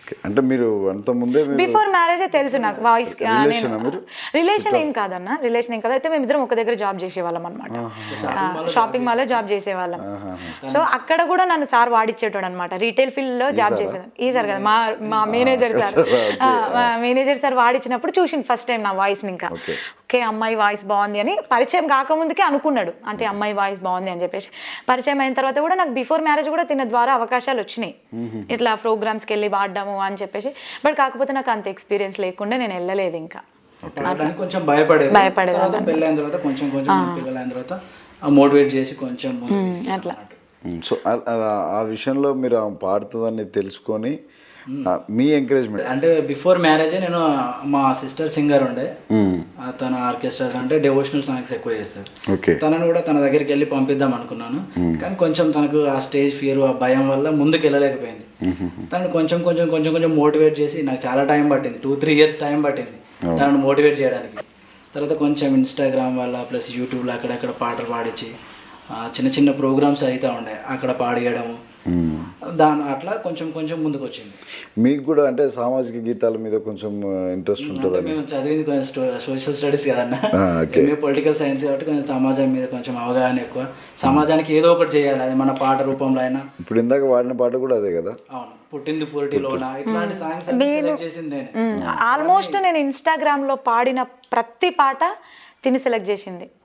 అంటే మీరు అంత ముందే బిఫోర్ మ్యారేజే తెలుసు నాకు వాయిస్. రిలేషనా మీరు? రిలేషన్ ఏం కాదన్న, రిలేషన్ ఏం కాదు. అయితే మేమిద్దరం ఒక దగ్గర జాబ్ చేసేవాళ్ళం అనమాట, షాపింగ్ మాల్లో జాబ్ చేసేవాళ్ళం. సో అక్కడ కూడా నన్ను సార్ వాడిచ్చేటోడు అనమాట, రీటైల్ ఫీల్డ్ లో జాబ్ చేసేది. ఈ సార్ కదా మా మేనేజర్ సార్, మా మేనేజర్ సార్ వాడిచ్చినప్పుడు చూసింది ఫస్ట్ టైం నా వాయిస్ని. ఇంకా ఓకే అమ్మాయి వాయిస్ బాగుంది అని పరిచయం కాకముందుకే అనుకున్నాడు, అంటే అమ్మాయి వాయిస్ బాగుంది అని చెప్పేసి. పరిచయం అయిన తర్వాత కూడా నాకు బిఫోర్ మ్యారేజ్ కూడా తిన ద్వారా అవకాశాలు వచ్చినాయి, ఇట్లా ప్రోగ్రామ్స్కి వెళ్ళి వాడడాము అని చెప్పేసి. బట్ కాకపోతే నాకు అంత ఎక్స్పీరియన్స్ లేకుండా నేను వెళ్ళలేదు. ఇంకా కొంచెం భయపడేది. పెళ్ళైన తర్వాత కొంచెం పిల్లలైన తర్వాత మోటివేట్ చేసి కొంచెం అట్లా. సో ఆ విషయంలో మీరు పాడుతుందని తెలుసుకొని మీ ఎంకరేజ్మెంట్ అంటే బిఫోర్ మ్యారేజే నేను మా సిస్టర్ సింగర్ ఉండే, తన ఆర్కెస్ట్రాస్ అంటే డెవోషనల్ సాంగ్స్ ఎక్కువ చేస్తారు. తనను కూడా తన దగ్గరికి వెళ్ళి పంపిద్దాం అనుకున్నాను, కానీ కొంచెం తనకు ఆ స్టేజ్ ఫియర్, ఆ భయం వల్ల ముందుకు వెళ్ళలేకపోయింది. తనను కొంచెం కొంచెం కొంచెం కొంచెం మోటివేట్ చేసి, నాకు చాలా టైం పట్టింది, 2-3 years టైం పట్టింది తనను మోటివేట్ చేయడానికి. తర్వాత కొంచెం ఇన్స్టాగ్రామ్ వల్ల ప్లస్ యూట్యూబ్లో అక్కడక్కడ పాటలు పాడించి చిన్న చిన్న ప్రోగ్రామ్స్ అవుతూ ఉండే, అక్కడ పాడేయడము, అట్లా కొంచెం కొంచెం ముందుకు వచ్చింది. మీకు కూడా అంటే సామాజిక గీతాల మీద కొంచెం ఇంట్రెస్ట్ ఉంటుంది? మేము చదివింది కొంచెం సోషల్ స్టడీస్ కదన్నా, మేము పొలిటికల్ సైన్స్ కాబట్టి కొంచెం సమాజం మీద కొంచెం అవగాహన ఎక్కువ. సమాజానికి ఏదో ఒకటి చేయాలి, అది మన పాట రూపంలో అయినా. ఇప్పుడు ఇందాక వాడిన పాట కూడా అదే కదా? అవును, పుట్టింది పురిటిలోన, ఇట్లాంటి సాంగ్స్ సెలెక్ట్ చేసింది నేను. ఆల్మోస్ట్ నేను ఇన్స్టాగ్రామ్ లో పాడిన ప్రతి పాట తిని సెలెక్ట్ చేసింది.